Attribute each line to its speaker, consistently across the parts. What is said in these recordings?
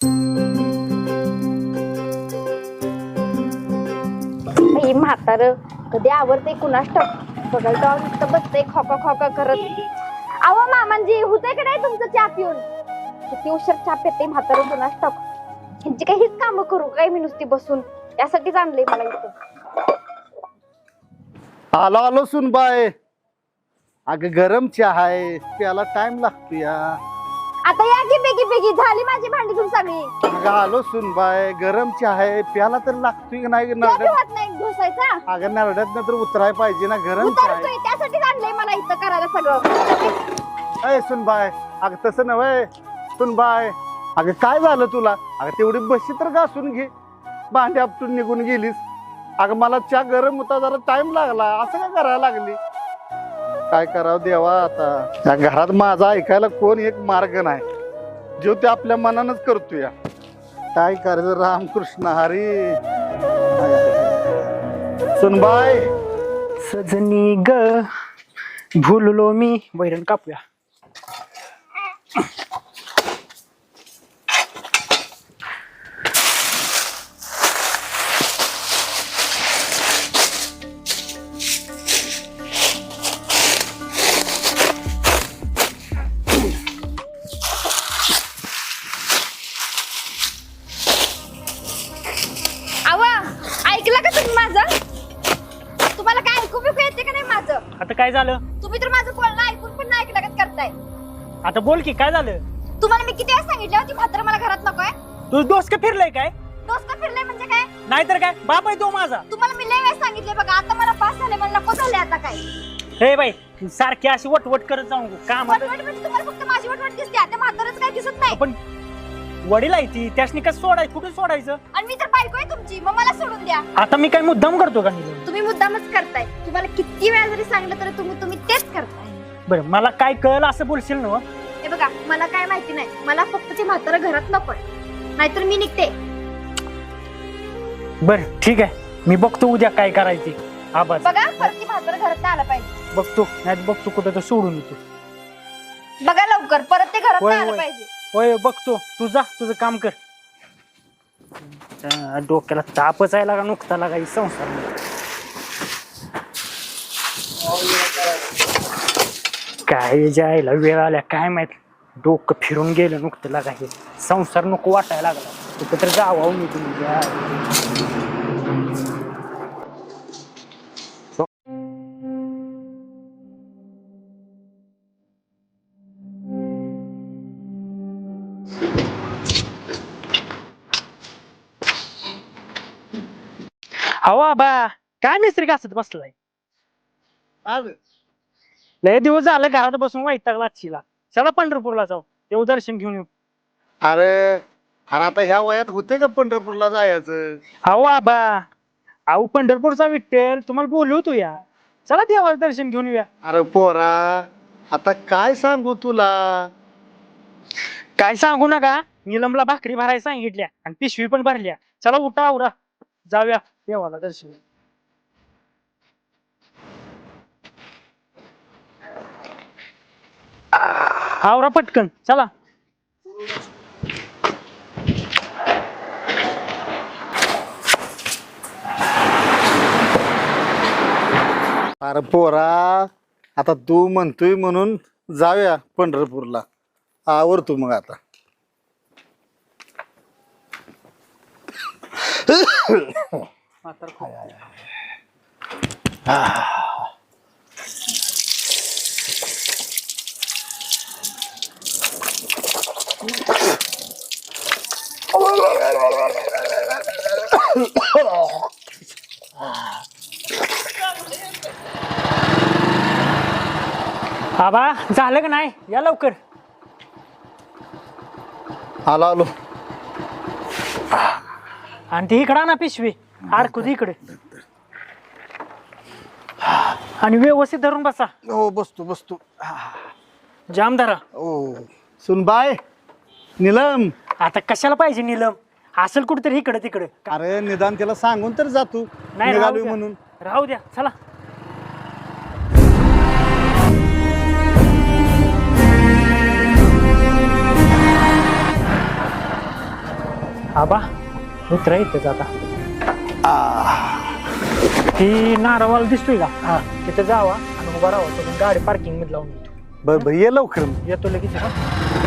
Speaker 1: म्हातार कधी आवडते कुणास ठाऊक बघायला तर नुसतं बसते खोका खोका करत. अहो मामांजी होते का नाही तुमचं चहा पिऊन? किती उशीर चहा पिते म्हातार कुणास ठाऊक. ह्यांची काही हीच कामं करू काय मी नुसती बसून? यासाठीच आणलंय मला इथं.
Speaker 2: आलो आलो सुनबाय. अगं गरम चहा आहे त्याला टाइम लागतो या.
Speaker 1: आता या की बेगी बेगी झाली माझी भांडी तुम सगळी.
Speaker 2: अगं आलो सुनबाय गरम चहा आहे प्याला तर लागतोय की नाही नरड्यात.
Speaker 1: नाही घुसायचा.
Speaker 2: अगं नरड्यात तर उतराय पाहिजे ना गरम चहा आहे.
Speaker 1: त्यासाठीच आणलंय मला इथं करायला सगळं.
Speaker 2: अय सुनबाय अगं तसं नव्हे सुनबाय. अगं काय झालं तुला? अगं तेवढी बशी तर घासून घे. भांडी आपटून निघून गेलीस. अगं मला चहा गरम होता जरा टाइम लागला असं काय करायला लागली? काय करावं देवा आता या घरात माझा ऐकायला कोण एक मार्ग नाही. जो ते आपल्या मनानच करतो या. काय करायचं रामकृष्ण हरी. सुनबाय
Speaker 3: सजनी ग भुललो मी. वैरण कापूया.
Speaker 1: तुम्हाला काय ऐकू बिकू येते का नाही माझं?
Speaker 3: आता काय झालं?
Speaker 1: तुम्ही तर माझं बोलणं ऐकून पण नाही ऐकलं करताय.
Speaker 3: आता बोल की काय झालं?
Speaker 1: तुम्हाला मी किती वेळा सांगितलं होती म्हातार मला घरात नकोय.
Speaker 3: तू डोसकं फिरलंय काय?
Speaker 1: दोस्त फिरलंय म्हणजे काय?
Speaker 3: नाहीतर काय बाप आहे तो माझा.
Speaker 1: तुम्हाला मी लय वेळा सांगितले बघा आता मला पास झाले मला नको झाले आता काय.
Speaker 3: हे बाई सारखी अशी वटवट करत जाऊ काम.
Speaker 1: वटवट म्हणजे तुम्हाला फक्त माझी वटवट दिसते आता म्हातारच काय दिसत नाही.
Speaker 3: पण वडील आहे ती त्यासनी कसं सोडायचं कुठे सोडायचं?
Speaker 1: आणि मी तर बायको आहे तुमची मग मला सोडून द्या.
Speaker 3: आता मी काय मुद्दाम करतो का नीलम?
Speaker 1: तुम्ही मुद्दामच करताय. तुम्हाला किती वेळा जरी सांगितलं तरी तुम्ही तेच करताय.
Speaker 3: बरं मला काय कळलं असं बोलशील ना?
Speaker 1: हे बघा मला काय माहिती नाही. मला फक्त ते म्हातारं घरात नकोय नाहीतर मी निघते.
Speaker 3: बरं ठीक आहे मी बघतो उद्या काय करायचे. आवाज
Speaker 1: बघा परत ती म्हातारं घरात आलं पाहिजे.
Speaker 3: बघतो नाही बघतो कुठं तर सोडून येतो.
Speaker 1: बघा लवकर परत ते घरात
Speaker 3: होय,
Speaker 1: आलं
Speaker 3: होय.
Speaker 1: पाहिजे.
Speaker 3: होय बघतो. तू जा तुझं काम कर. डोक्याला तापच आहे लागा नुकता लागा ही संसार. काय जायला वेळ आल्या काय माहित. डोकं फिरून गेलं नुकतं लागा हे संसार नको वाटायला लागला. कुठं तर जावं निघून. हवा बा काय मिस्त्री घासत बसलाय? लय दिवस झालं घरात बसून वैतागला चिला. चला पंढरपूरला जाऊ तेव्हा दर्शन घेऊन येऊ.
Speaker 2: अरे अरे आता ह्या वयात होते का पंढरपूरला जायचं?
Speaker 3: हवा बा अहो पंढरपूरचा विठ्ठल तुम्हाला बोलवतो या. चला देवाचं दर्शन घेऊन येऊया.
Speaker 2: अरे पोरा आता काय सांगू तुला.
Speaker 3: काय सांगू नका. नीलमला भाकरी भरायला सांगितल्या आणि पिशवी पण भरल्या. चला उठा आवरा जाऊया देवाला दर्शन. आवरा पटकन चला.
Speaker 2: अरे पोरा आता तू म्हणतोय म्हणून जाऊया पंढरपूरला. आवरतो मग आता.
Speaker 3: आबा झालं का नाही? या लवकर.
Speaker 2: आलो आलो.
Speaker 3: आणि ती इकडं ना पिशवी अडकू इकडे. आणि व्यवस्थित धरून बसा.
Speaker 2: हो बसतो बसतो.
Speaker 3: जाम धरा.
Speaker 2: ओ सुनबाय नीलम.
Speaker 3: आता कशाला पाहिजे नीलम? असेल कुठेतरी इकडे तिकडे.
Speaker 2: अरे निदान त्याला सांगून तर जा तू
Speaker 3: नाही
Speaker 2: निघालोय म्हणून.
Speaker 3: राहू द्या चला. आबा उतरा इथंच आता ती नारवाला दिसतोय का
Speaker 2: हा.
Speaker 3: तिथं जावा आणि उभा राहा तुम्ही गाडी पार्किंग मध्ये लावून येतो
Speaker 2: बर ये लवकर
Speaker 3: येतो लगेच हा.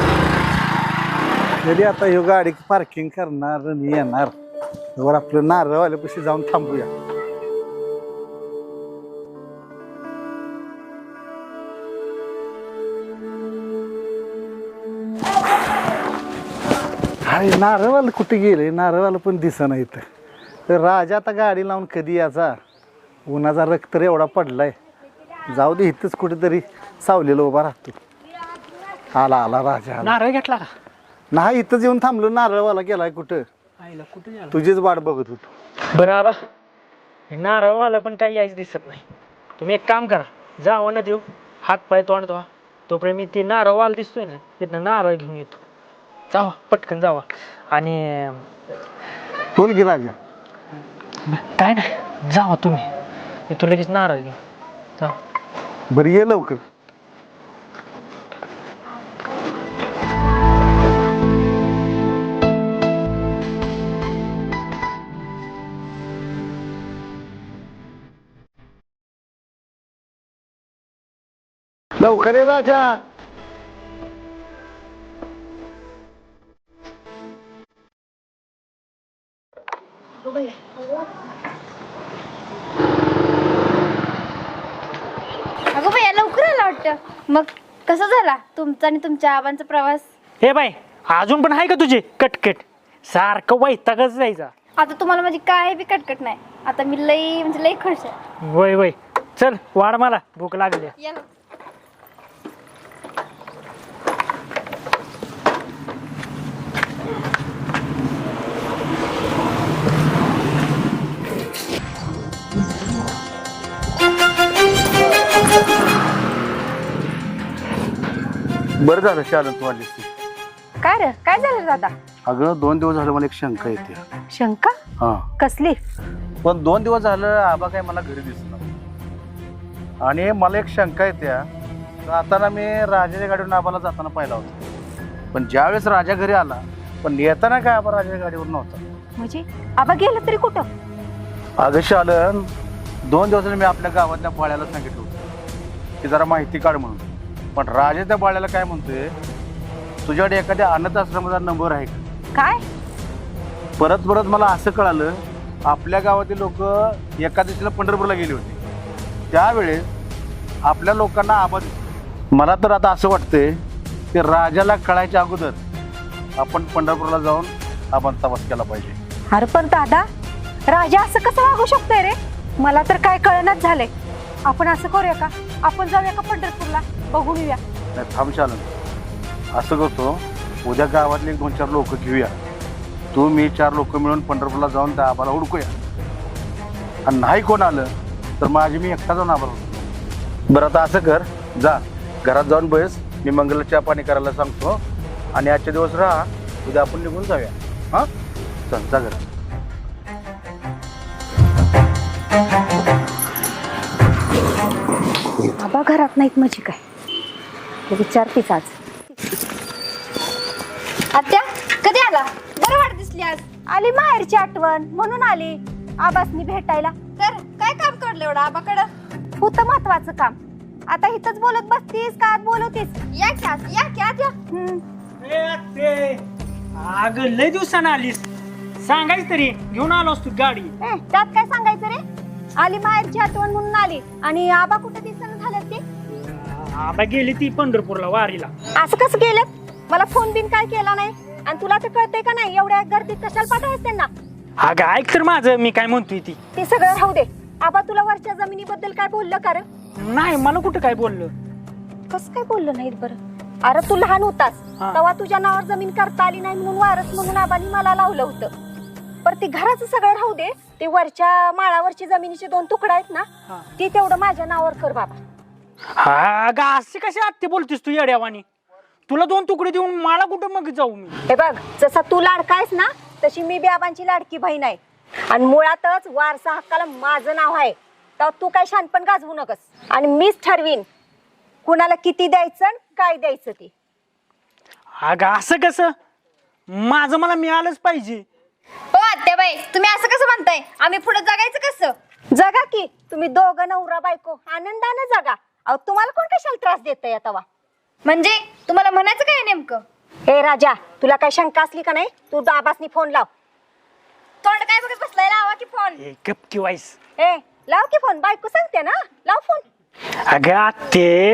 Speaker 2: तरी आता ह्यो गाडी पार्किंग करणार मी येणार वर आपलं नारळवाल्यापाशी जाऊन थांबूया. अरे नारळवाला कुठे गेले नारळवाला पण दिसेना इथं. तर राजा आता गाडी लावून कधी याचा उन्हाचा रक्त तर एवढा पडलाय जाऊ दे इथंच कुठेतरी सावलेला उभा राहतो. आला आला राजा आला.
Speaker 3: नारळ घेतला का
Speaker 2: नाही इथंच येऊन थांबलो नारळवाला गेलाय कुठं
Speaker 3: आईला कुठे झालं
Speaker 2: तुझीच वाट बघत होतो.
Speaker 3: बरं आबा हे नारळवाला पण काही यायच दिसत नाही तुम्ही एक काम करा जावा ना देऊ हात पाय तोंड धुवा तोपर्यंत मी ती नारळवाला दिसतोय ना तिथनं नारळ घेऊन येतो. जावा पटकन जावा आणि
Speaker 2: बोल की राजा.
Speaker 3: काय नाही जावा तुम्ही येतो लगेच नारळ घेऊन जावा.
Speaker 2: बरं ये लवकर. लवकर ये राजा.
Speaker 1: अगं भैया लवकर आला वाटतं. मग कसं झाला तुमचा आणि तुमच्या आबांचा प्रवास?
Speaker 3: हे बाई अजून पण आहे का तुझे कटकट सारखं वैतागच जायचा.
Speaker 1: आता तुम्हाला माझी काय बी कटकट नाही. आता मी लई म्हणजे लई खुश आहे.
Speaker 3: वय वय चल वाढ मला भूक लागली.
Speaker 1: या ना.
Speaker 2: बरं झालं शालन तू आलीस.
Speaker 1: काय रे काय झालं रे दादा?
Speaker 2: अगं 2 दिवस झालं मला एक शंका येते.
Speaker 1: शंका
Speaker 2: हा
Speaker 1: कसली?
Speaker 2: पण 2 दिवस झालं आबा काय मला घरी दिसला आणि मला एक शंका येते. जाताना मी राजाच्या गाडीवरून आबाला जाताना पाहिला होता पण ज्यावेळेस राजा घरी आला पण येताना काय आबा राजाच्या गाडीवर नव्हता.
Speaker 1: म्हणजे आबा गेलं तरी कुठं?
Speaker 2: अगं शालन 2 दिवसांनी मी आपल्या गावातल्या बाळ्याला सांगितलं होतं की जरा माहिती काढ म्हणून. पण राजा त्या बाळ्याला काय म्हणतोय तुझ्याकडे एखाद्या अनाथ आश्रमाचा नंबर आहे का?
Speaker 1: काय?
Speaker 2: परत परत मला असं कळालं आपल्या गावातील लोक एका दिवशीला पंढरपूरला गेले होते त्यावेळेस आपल्या लोकांना आबा दिसला. मला तर आता असं वाटतंय की राजाला कळायच्या अगोदर आपण पंढरपूरला जाऊन आपण तपास केला पाहिजे.
Speaker 1: अरे पण दादा राजा असं कसं वागू शकतोय रे? मला तर काय कळणच झालंय. आपण असं करूया का आपण जाऊया का पंढरपूरला बघून येऊया?
Speaker 2: नाही थांब शालन असं करतो उद्या गावातले 2-4 लोक घेऊया तू मी 4 लोक मिळून पंढरपूरला जाऊन त्या आबाला हुडकूया आणि नाही कोण आलं तर माझी मी एकटा जाऊन आबाला हुडकतो. बरं आता असं कर जा घरात जाऊन बस मी मंगलला चहा पाणी करायला सांगतो आणि आजचे दिवस राहा उद्या आपण निघून जाऊया. हां चल जा घरात.
Speaker 1: आबा घरात नाहीत म्हणजे काय ते विचारतेच आज. आत्या कधी आला? बरं वाट दिसली आज. आली माहेरची आठवण म्हणून आली आबासनी भेटायला. तर काय काम काढलं एवढं आबाकडं? होतं महत्वाचं काम. आता इथंच बोलत बसतीस का आत बोलवतीस? या की आत या की आत या.
Speaker 3: अग लय दिवसानं आलीस सांगायच तरी घेऊन आलो असतो गाडी.
Speaker 1: त्यात काय सांगायचं रे? आली माहेरची आठवण म्हणून आली आणि आबा कुठे दिसणं झालं ते?
Speaker 3: आबा गेली ती पंढरपूरला वारीला.
Speaker 1: असं कसं गेलं? मला फोन बिन काय केला नाही आणि तुला तर कळतंय का नाही एवढ्या गर्दीत कशाला पाठवायचं त्यांना?
Speaker 3: अगं ऐक तर माझं मी काय म्हणतोय ती.
Speaker 1: ते सगळं राहू दे. आबा तुला वरच्या जमिनीबद्दल काय बोललं का रे?
Speaker 3: नाही मला कुठं काय बोललं.
Speaker 1: कसं काय बोललं नाहीत बरं? अरे तू लहान होतास
Speaker 3: हा.
Speaker 1: तेव्हा तुझ्या नावावर जमीन करता आली नाही म्हणून वारस म्हणून आबांनी मला लावलं होतं. पर ते घराचं सगळं राहू दे. ते वरच्या माळावरची जमिनीचे 2 तुकडा आहेत ना
Speaker 3: हा.
Speaker 1: ते तेवढं माझ्या नावावर कर बाबा.
Speaker 3: अगं असे कसे आत्ते बोलतेस तू येड्यावानी? तुला 2 तुकडे देऊन मला कुठं मग जाऊ मी?
Speaker 1: हे बघ जसा तू लाडकायस ना तशी मी बी आबांची लाडकी बहीण आहे आणि मुळातच वारसा हक्काला माझं नाव आहे. तर तू काय शानपण गाजवू नकस आणि मीच ठरवीन कुणाला किती द्यायचं आणि काय द्यायचं ते.
Speaker 3: अगं असं कसं? माझं मला मिळालंच पाहिजे.
Speaker 1: होय, तुम्ही असं कसं म्हणताय? आम्ही पुढे जगायचं कसं?
Speaker 4: जगा की तुम्ही दोघं नवरा बायको आनंदाने जगा. अहो तुम्हाला कोण कशाला त्रास देतंय आता?
Speaker 1: म्हणजे तुम्हाला म्हणायचं काय नेमकं?
Speaker 4: हे राजा, तुला काय शंका असली का नाही? तू बाबासनी फोन लाव.
Speaker 1: तोंड काय बघत बसलाय? लावा की फोन.
Speaker 3: ए गप की वाईस.
Speaker 4: ए लाव की फोन. बायको सांगते ना, लाव फोन.
Speaker 3: अगं आत्ते,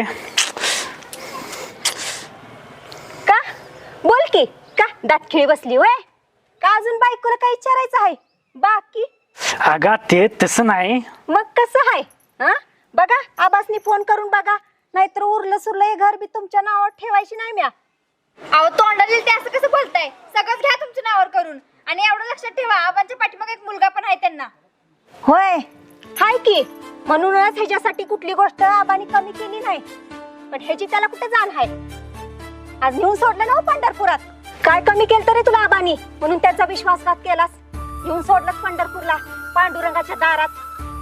Speaker 4: का बोल की, का दात खिळी बसली होय? का अजून बायकोला काय विचारायचं आहे बाकी?
Speaker 3: अगं आत्ते तसं नाही.
Speaker 4: मग कसं आहे? हा बघा, आबासनी फोन करून बघा, नाहीतर उरलं सुरलं हे घर बी तुमच्या नावावर ठेवायची नाही म्या.
Speaker 1: अहो तोंडाला येईल ते असं कसं बोलताय? सगळंच घ्या तुमच्या नावावर करून. आणि एवढं लक्षात ठेवा, आबांच्या पाठीमागे एक मुलगा पण आहे त्यांना.
Speaker 4: होय हाय की, म्हणूनच ह्याच्यासाठी कुठली गोष्ट आबानी कमी केली नाही. पण ह्याची त्याला कुठे जाण आहे? आज नेऊन सोडलं ना हो पंढरपुरात. काय कमी केलं तरी तुला आबानी, म्हणून त्यांचा विश्वासघात केलास. नेऊन सोडलंस पंढरपूरला, पांडुरंगाच्या दारात.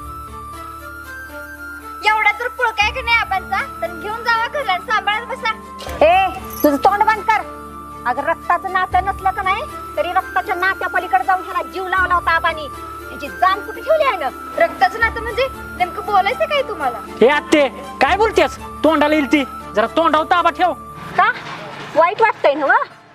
Speaker 1: एवढा जर पुळका आहे की नाही आबांचा, तर घेऊन जावा घरला आणि सांभाळत बसा.
Speaker 4: ए तुझं तोंड बंद कर. अगर रक्ताचं नातं नसलं का नाही, तरी रक्ताच्या नात्या पलीकडे जाऊन ह्याला जीव लावला होता आबानी. त्याची जाण कुठे ठेवली आहे ना?
Speaker 1: रक्ताचं नातं म्हणजे नेमकं बोलायचं काय तुम्हाला?
Speaker 3: हे आत्ते काय बोलतेस? तोंडाला येईल ती, जरा तोंडावर ताबा ठेव.
Speaker 4: का वाईट वाटतंय ना?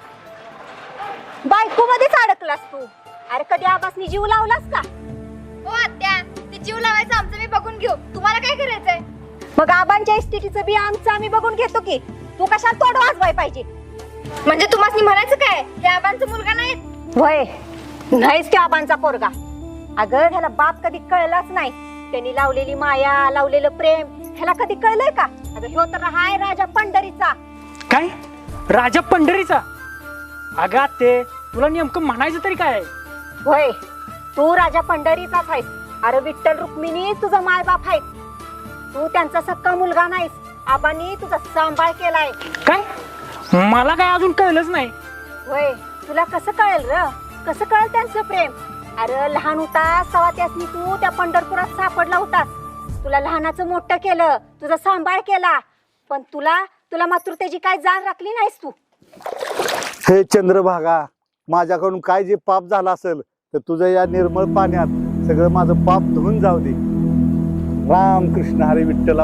Speaker 4: बायको मध्येच अडकलास तू. अरे कधी आबासनी जीव लावलास का?
Speaker 1: हो आत्या, ते जीव लावायचं आमचं मी बघून घेऊ. तुम्हाला काय करायचंय?
Speaker 4: मग आबांच्या इस्टेटीचं बी आमचं आम्ही बघून घेतो की. तू कशाला तोंड वाजवाय पाहिजे?
Speaker 1: म्हणजे तुम्हाला म्हणायचं काय, हे आबांचा मुलगा नाही?
Speaker 4: वय नाहीच त्या आबांचा पोरगा. अगं ह्याला बाप कधी कळलाच नाही. त्यांनी लावलेली माया, लावलेलं प्रेम ह्याला कधी कळलंय का? अगं ह्यो तर हाय राजा पंढरीचा.
Speaker 3: काय राजा पंढरीचा? अगं आत्ते, तुला नेमकं म्हणायचं तरी काय?
Speaker 4: होय तू राजा पंढरीचाच आहेस. अरे विठ्ठल रुक्मिणी तुझा मायबाप आहे. तू त्यांचा सक्का मुलगा नाहीस. आबांनी तुझा सांभाळ केलाय.
Speaker 3: काय मला काय अजून कळलंच नाही.
Speaker 4: होय तुला कसं कळेल र? कसं कळेल त्यांचं प्रेम? अरे लहान होतास तेव्हा त्यासनी तू त्या पंढरपुरात सापडला होतास. तुला लहानाचं मोठं केलं, तुझा सांभाळ केला. पण तुला मात्र त्याची काय जाण राखली नाहीस तू.
Speaker 2: हे चंद्रभागा, माझ्याकडून काय जे पाप झालं असेल तर तुझ्या या निर्मळ पाण्यात सगळं माझं पाप धुवून जाऊ दे. राम कृष्ण हरी विठ्ठला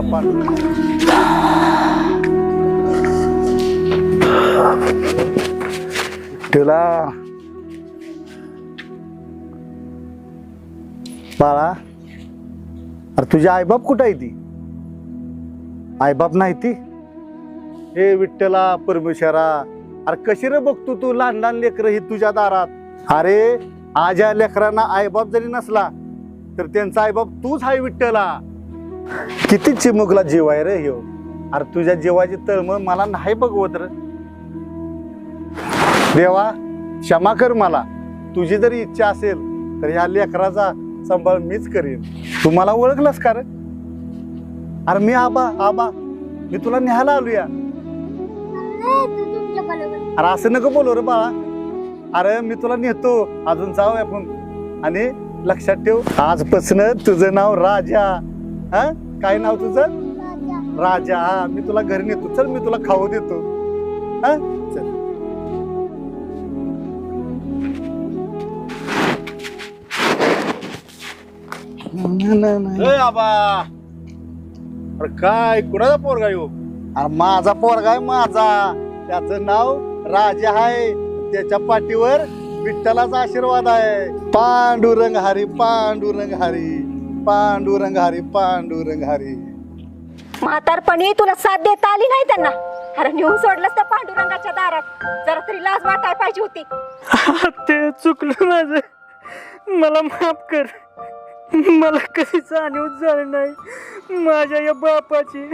Speaker 2: विठ्ठला. बाळा, अरे तुझी आईबाप कुठं आहे? ती आईबाप नाही ती? हे विठ्ठला परमेश्वरा, अरे कशी रे बघतो तू लहान लहान लेकरं ही तुझ्या दारात. अरे आज या लेकरांना आईबाप जरी नसला तर त्यांचा आईबाप तूच आहे विठ्ठला. किती चिमुकला जीव आहे रे ह्यो. अरे तुझ्या जीवाची तळमळ मला नाही बघवत रे. देवा क्षमा कर मला. तुझी जरी इच्छा असेल तर ह्या लेकराचा सांभाळ मीच करीन. तू मला ओळखलंस का रे? अरे मी आबा मी तुला न्यायला आलोया. अरे असं नको बोलू रे बाळा. अरे मी तुला नेतो, अजून जाऊ आपण. आणि लक्षात ठेव, आजपासून तुझं नाव राजा. हा काय नाव तुझं? राजा. हा मी तुला घरी नेतो. चल मी तुला खाऊ देतो. हा चल. आबा, अरे काय कुणाचा पोरगा येऊ? अरे माझा पोरगा आहे माझा. त्याचं नाव राजा आहे. त्याच्या पाठीवर विठ्ठलाचा आशीर्वाद आहे. पांडुरंग हरी, पांडुरंग हरी, पांडुरंग हरी, पांडुरंग हरी.
Speaker 4: म्हातारपणी तुला साथ देता आली नाही त्यांना. अरे नेऊन सोडलंस त्या पांडुरंगाच्या दारात. जरा तरी लाज वाटायला पाहिजे होती.
Speaker 3: ते चुकलं माझं, मला माफ कर. मला कधी जाणीव झाली नाही माझ्या या बापाची.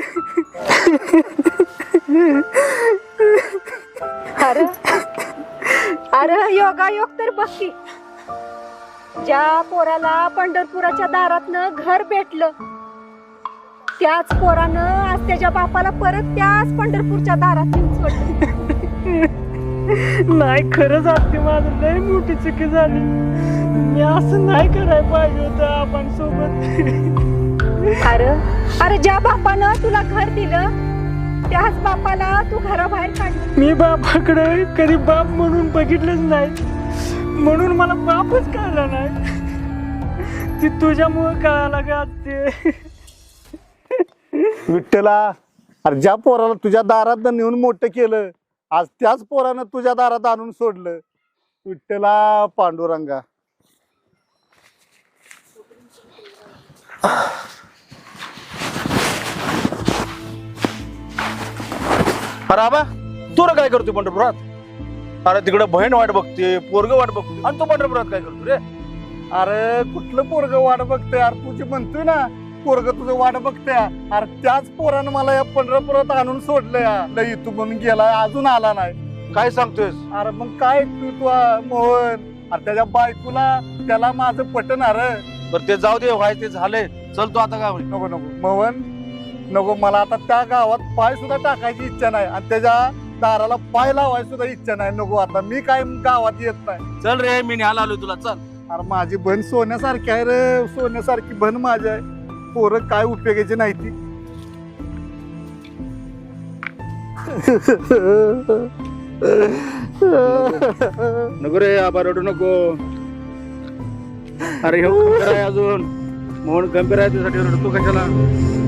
Speaker 4: अरे अरे योगायोग तर बघ की. ज्या पोराला पंढरपुराच्या दारातनं घर भेटलं, त्याच पोरानं आज त्याच्या बापाला परत त्याच पंढरपूरच्या दारात नेऊन सोडलं.
Speaker 3: नाही खरंच आत्ते, माझं लय मोठी चुकी झाली. मी असं नाही करायला पाहिजे होतं आपण सोबत.
Speaker 4: अरे ज्या बापानं तुला घर दिलं, त्याच बापाला तू घराबाहेर काढलं.
Speaker 3: मी बापाकडे कधी बाप म्हणून बघितलंच नाही. म्हणून मला बापच कळला नाही. ती तुझ्यामुळे कळाला का ते.
Speaker 2: विठ्ठला, अरे ज्या पोराला तुझ्या दारात नेऊन मोठं केलं, आज त्याच पोरानं तुझ्या दारात आणून सोडलं. विठ्ठला पांडुरंगा.
Speaker 5: अरे आबा तू रे काय करतोय पंढरपुरात? अरे तिकडे बहीण वाट बघते, पोरग वाट बघते, आणि तू पंढरपुरात काय करतो रे?
Speaker 2: अरे कुठलं पोरग वाट बघतंय? अरे तुझी म्हणतोय ना पोरग तुझं वाट बघतंय. अरे त्याच पोरानं मला या पंढरपुरात आणून सोडलं या. लई तू म्हणून गेला, अजून आला नाही.
Speaker 5: काय सांगतोयस?
Speaker 2: अरे मग काय तू मोहन, अरे त्याच्या बायकोला त्याला माझं पटणार.
Speaker 5: बरं ते जाऊ दे, व्हाय ते झालंय. चल तू आता काय
Speaker 2: नको नको मोहन नको, मला आता त्या गावात पाय सुद्धा टाकायची इच्छा नाही आणि त्याच्या दाराला पाय लावायची सुद्धा इच्छा नाही. नको आता मी काय गावात येत नाही.
Speaker 5: चल रे, मी न्यायला आलोय तुला. चल.
Speaker 2: अरे माझी बहीण सोन्यासारखी आहे रे, सोन्यासारखी बहीण माझी आहे. पोरं काय उपयोगाची नाही ती.
Speaker 5: नको रे आबा, रडू नको. अरे हो खंबीर आहे अजून, मोहन गंभीर आहे, त्यासाठी रडतो कशाला?